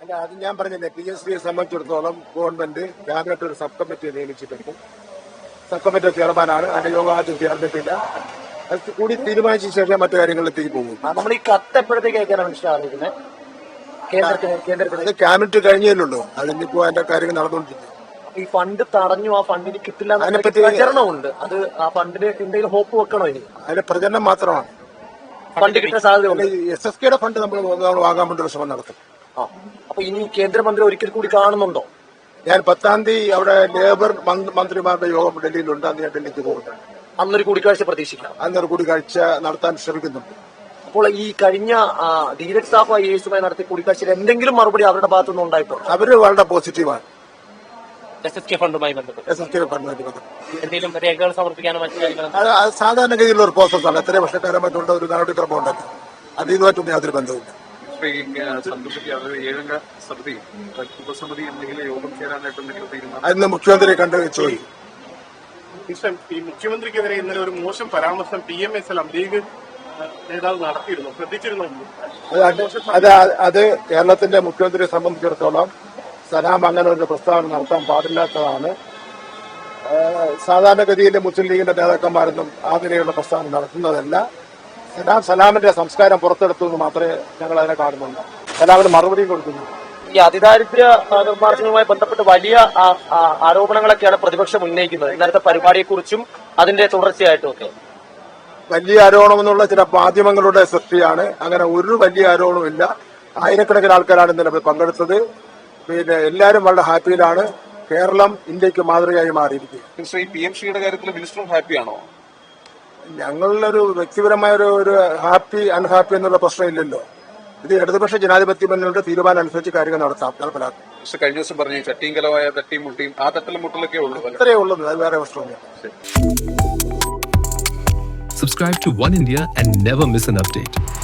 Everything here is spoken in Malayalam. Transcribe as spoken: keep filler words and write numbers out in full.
അല്ല, അത് ഞാൻ പറഞ്ഞില്ലേ, പി എസ് സിയെ സംബന്ധിച്ചിടത്തോളം ഗവൺമെന്റ് ക്യാബിനറ്റ് ഒരു സബ് കമ്മിറ്റിയെ നിയമിച്ചിട്ടുണ്ട്. സബ് കമ്മിറ്റി ചെയർമാനാണ്. അതിന്റെ യോഗം ആദ്യം ചേർന്നിട്ടില്ല. അത് കൂടി തീരുമാനിച്ച ശേഷം മറ്റു കാര്യങ്ങളിലേക്ക് പോകും. നമ്മൾ ഈ കത്ത് എപ്പോഴത്തേക്ക് അയക്കാനാണ് ഇഷ്ടം ആലോചിക്കുന്നത്? കേന്ദ്രത്തിന് കേന്ദ്രത്തിന് അത് ക്യാബിനറ്റ് കഴിഞ്ഞല്ലോ. അതിനിപ്പോ അതിന്റെ കാര്യങ്ങൾ നടന്നുകൊണ്ടിരിക്കും. ഈ ഫണ്ട് തടഞ്ഞു, ആ ഫണ്ടിന് കിട്ടില്ല അതിനെപ്പറ്റി പ്രചരണമുണ്ട്. അത് ആ ഫണ്ടിന് എന്തെങ്കിലും ഹോപ്പ് വെക്കണോ? ഇനി അതിന്റെ പ്രചരണം മാത്രമാണ്. ഫണ്ട് കിട്ടാൻ സാധ്യതയുണ്ട്. എസ് എസ് കെയുടെ ഫണ്ട് നമ്മൾ വാങ്ങാൻ വേണ്ടി ഒരു ശ്രമം നടത്തും. ആ അപ്പൊ ഇനി കേന്ദ്രമന്ത്രി ഒരിക്കൽ കൂടി കാണുന്നുണ്ടോ? ഞാൻ പത്താം തീയതി അവിടെ ലേബർ മന്ത്രിമാരുടെ യോഗം ഡൽഹിയിലുണ്ട്. അന്ന് ഞാൻ ഡൽഹിക്ക് പോകുന്നുണ്ട്. അന്നൊരു കൂടിക്കാഴ്ച പ്രതീക്ഷിക്കാം. അന്നൊരു കൂടിക്കാഴ്ച നടത്താൻ ശ്രമിക്കുന്നുണ്ട്. അപ്പോൾ ഈ കഴിഞ്ഞ ധീരജ് സാഹു ഐ എസുമായി നടത്തിയ കൂടിക്കാഴ്ചയിൽ എന്തെങ്കിലും മറുപടി അവരുടെ ഭാഗത്തുനിന്ന് ഉണ്ടായിട്ടോ? അവര് വളരെ പോസിറ്റീവാണ്. എസ് എസ് കെ ഫണ്ടുമായി ബന്ധപ്പെട്ട് എസ് എസ് കെ ഫണ്ടുമായി ബന്ധപ്പെട്ട് എന്തെങ്കിലും രേഖകൾ സമർപ്പിക്കാനോ മറ്റു കാര്യങ്ങളും? അത് സാധാരണഗതിയിലുള്ള ഒരു പ്രോസസ്സാണ്. എത്രയും വർഷക്കാരമായിട്ടുള്ള ഒരു നടപടിക്രമം ഉണ്ടല്ലോ. അത് ഇതുമായിട്ടൊന്നും യാതൊരു ബന്ധവുമില്ല. അതിന് മുഖ്യമന്ത്രിയെ കണ്ട് ചോദിക്കും. ഈ മുഖ്യമന്ത്രിക്കെതിരെ ഇന്നലെ ഒരു മോശം പരാമർശം P M S L league നേതാവ് നടത്തിയിരുന്നു, ശ്രദ്ധിച്ചിരുന്നു. അത് അത് കേരളത്തിന്റെ മുഖ്യമന്ത്രിയെ സംബന്ധിച്ചിടത്തോളം സലാം അങ്ങനെ ഒരു പ്രസ്താവന നടത്താൻ പാടില്ലാത്തതാണ്. സാധാരണഗതിയിൽ മുസ്ലിം ലീഗിന്റെ നേതാക്കന്മാരൊന്നും ആ നിലയിലുള്ള പ്രസ്താവന നടത്തുന്നതല്ല. സലാം സലാമിന്റെ സംസ്കാരം പുറത്തെടുത്തു എന്ന് മാത്രമേ ഞങ്ങൾ അതിനെ കാണുന്നുള്ളൂ. സലാമിന് മറുപടിയും കൊടുക്കുന്നു. ഈ അതിദാരിദ്ര്യ നിർമ്മാർജ്ജനവുമായി ബന്ധപ്പെട്ട് വലിയ ആരോപണങ്ങളൊക്കെയാണ് പ്രതിപക്ഷം ഉന്നയിക്കുന്നത്. ഇന്നലത്തെ പരിപാടിയെക്കുറിച്ചും അതിന്റെ തുടർച്ചയായിട്ടും ഒക്കെ വലിയ ആരോപണമെന്നുള്ള ചില മാധ്യമങ്ങളുടെ സൃഷ്ടിയാണ്. അങ്ങനെ ഒരു വലിയ ആരോപണമില്ല. ആയിരക്കണക്കിന് ആൾക്കാരാണ് ഇന്നലെ പങ്കെടുത്തത്. പിന്നെ എല്ലാവരും വളരെ ഹാപ്പിയിലാണ്. കേരളം ഇന്ത്യക്ക് മാതൃകയായി മാറിയിരിക്കും. ശ്രീ പി എം സിയുടെ കാര്യത്തിൽ മിനിസ്റ്ററും ഹാപ്പിയാണോ? ഞങ്ങളിലൊരു വ്യക്തിപരമായ ഒരു ഒരു ഹാപ്പി അൺഹാപ്പി എന്നുള്ള പ്രശ്നമില്ലല്ലോ. ഇത് ഇടതുപക്ഷ ജനാധിപത്യ മുന്നണിയുടെ തീരുമാനം അനുസരിച്ച് കാര്യങ്ങൾ നടത്താം, നടപ്പിലാക്കും. കഴിഞ്ഞ ദിവസം പറഞ്ഞു ചട്ടിയും കലവായ തട്ടിയും മുട്ടിയും ആ തട്ടലും മുട്ടലൊക്കെ ഉള്ളൂ. അത്രയേ ഉള്ളൂ. അത് വേറെ പ്രശ്നമില്ല. Subscribe to One India and never miss an update.